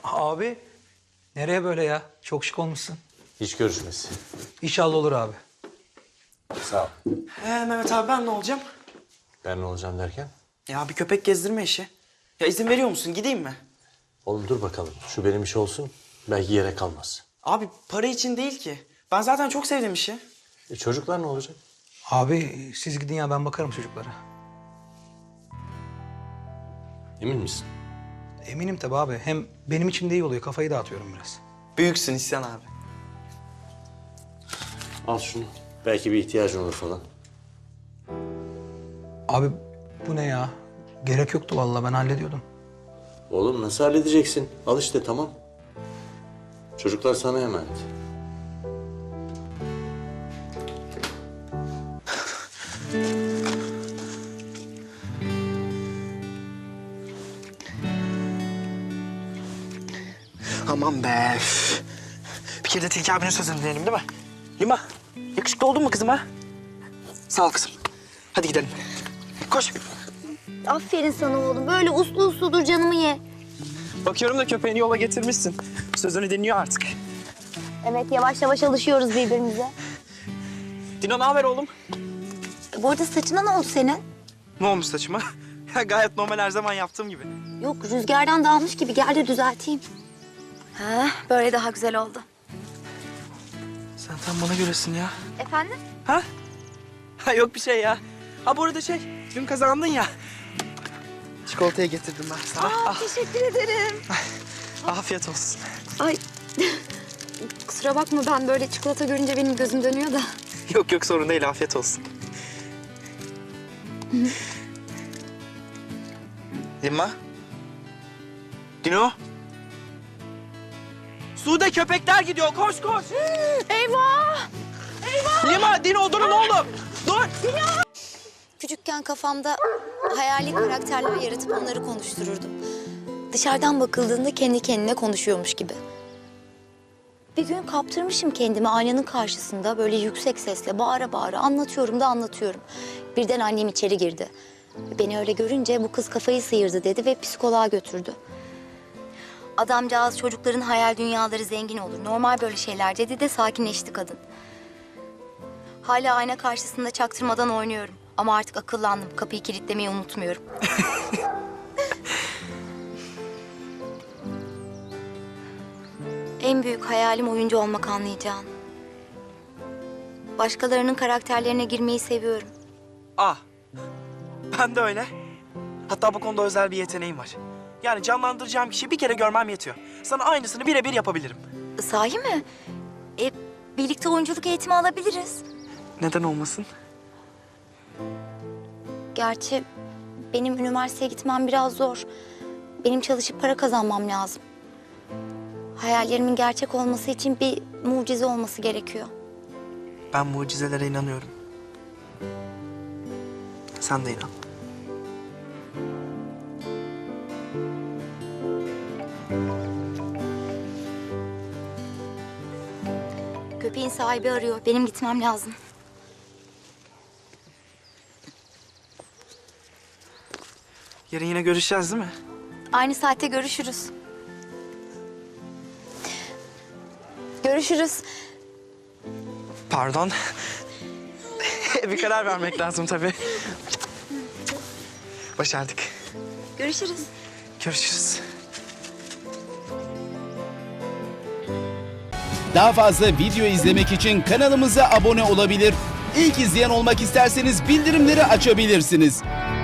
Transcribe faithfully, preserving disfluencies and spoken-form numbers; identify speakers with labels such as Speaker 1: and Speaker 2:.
Speaker 1: Abi nereye böyle ya? Çok şık olmuşsun.
Speaker 2: İş görüşmesi.
Speaker 1: İnşallah olur abi.
Speaker 2: Sağ ol.
Speaker 3: Ee, Mehmet abi ben ne olacağım?
Speaker 2: Ben ne olacağım derken?
Speaker 3: Ya bir köpek gezdirme işi. Ya izin veriyor musun? Gideyim mi?
Speaker 2: Oğlum dur bakalım. Şu benim iş olsun. Belki yere kalmaz.
Speaker 3: Abi para için değil ki. Ben zaten çok sevdim işi.
Speaker 2: E çocuklar ne olacak?
Speaker 1: Abi siz gidin ya ben bakarım çocuklara.
Speaker 2: Emin misin?
Speaker 1: Eminim tabii abi. Hem benim için de iyi oluyor. Kafayı dağıtıyorum biraz.
Speaker 3: Büyüksün İhsan abi.
Speaker 2: Al şunu. Belki bir ihtiyacın olur falan.
Speaker 1: Abi bu ne ya? Gerek yoktu vallahi ben hallediyordum.
Speaker 2: Oğlum nasıl halledeceksin? Al işte tamam. Çocuklar sana emanet.
Speaker 3: Aman be. üf. Bir kere de Tilki abinin sözünü dinleyelim değil mi? Lima, yakışıklı oldun mu kızım ha? Sağ ol kızım. Hadi gidelim. Koş.
Speaker 4: Aferin sana oğlum. Böyle uslu uslu dur canımı ye.
Speaker 3: Bakıyorum da köpeğini yola getirmişsin. Sözünü dinliyor artık.
Speaker 4: Evet yavaş yavaş alışıyoruz birbirimize.
Speaker 3: Dino ne haber oğlum?
Speaker 4: E, bu arada saçına ne oldu senin?
Speaker 3: Ne olmuş saçıma? Ya gayet normal her zaman yaptığım gibi.
Speaker 4: Yok rüzgardan dağılmış gibi. Gel de düzelteyim. Ha, böyle daha güzel oldu.
Speaker 3: Sen tam bana göresin ya.
Speaker 4: Efendim?
Speaker 3: Ha? Ha yok bir şey ya. Ha bu arada şey, dün kazandın ya. Çikolatayı getirdim ben sana.
Speaker 4: Aa,
Speaker 3: Ah,
Speaker 4: teşekkür ederim.
Speaker 3: afiyet olsun.
Speaker 4: Ay kusura bakma ben böyle çikolata görünce benim gözüm dönüyor da.
Speaker 3: Yok yok sorun değil, afiyet olsun. Lima? Dino? Sude köpekler gidiyor, koş koş.
Speaker 4: Eyvah!
Speaker 3: Lima, Dino durun oğlum. Dur.
Speaker 4: Küçükken kafamda hayali karakterler yaratıp onları konuştururdum. Dışarıdan bakıldığında kendi kendine konuşuyormuş gibi. Bir gün kaptırmışım kendimi aynanın karşısında böyle yüksek sesle bağıra bağıra anlatıyorum da anlatıyorum. Birden annem içeri girdi. Beni öyle görünce bu kız kafayı sıyırdı dedi ve psikoloğa götürdü. Adamcağız çocukların hayal dünyaları zengin olur. Normal böyle şeyler dedi de sakinleşti kadın. Hala ayna karşısında çaktırmadan oynuyorum. Ama artık akıllandım. Kapıyı kilitlemeyi unutmuyorum. En büyük hayalim oyuncu olmak anlayacağın. Başkalarının karakterlerine girmeyi seviyorum.
Speaker 3: Ah, ben de öyle. Hatta bu konuda özel bir yeteneğim var. Yani canlandıracağım kişiyi bir kere görmem yetiyor. Sana aynısını birebir yapabilirim.
Speaker 4: Sahi mi? E, birlikte oyunculuk eğitimi alabiliriz.
Speaker 3: Neden olmasın?
Speaker 4: Gerçi benim üniversiteye gitmem biraz zor. Benim çalışıp para kazanmam lazım. Hayallerimin gerçek olması için bir mucize olması gerekiyor.
Speaker 3: Ben mucizelere inanıyorum. Sen de inan.
Speaker 4: Köpeğin sahibi arıyor. Benim gitmem lazım.
Speaker 3: Yarın yine görüşeceğiz değil mi?
Speaker 4: Aynı saatte görüşürüz. Görüşürüz.
Speaker 3: Pardon. Bir karar vermek lazım tabii. Başardık.
Speaker 4: Görüşürüz.
Speaker 3: Görüşürüz.
Speaker 5: Daha fazla video izlemek için kanalımıza abone olabilir. İlk izleyen olmak isterseniz bildirimleri açabilirsiniz.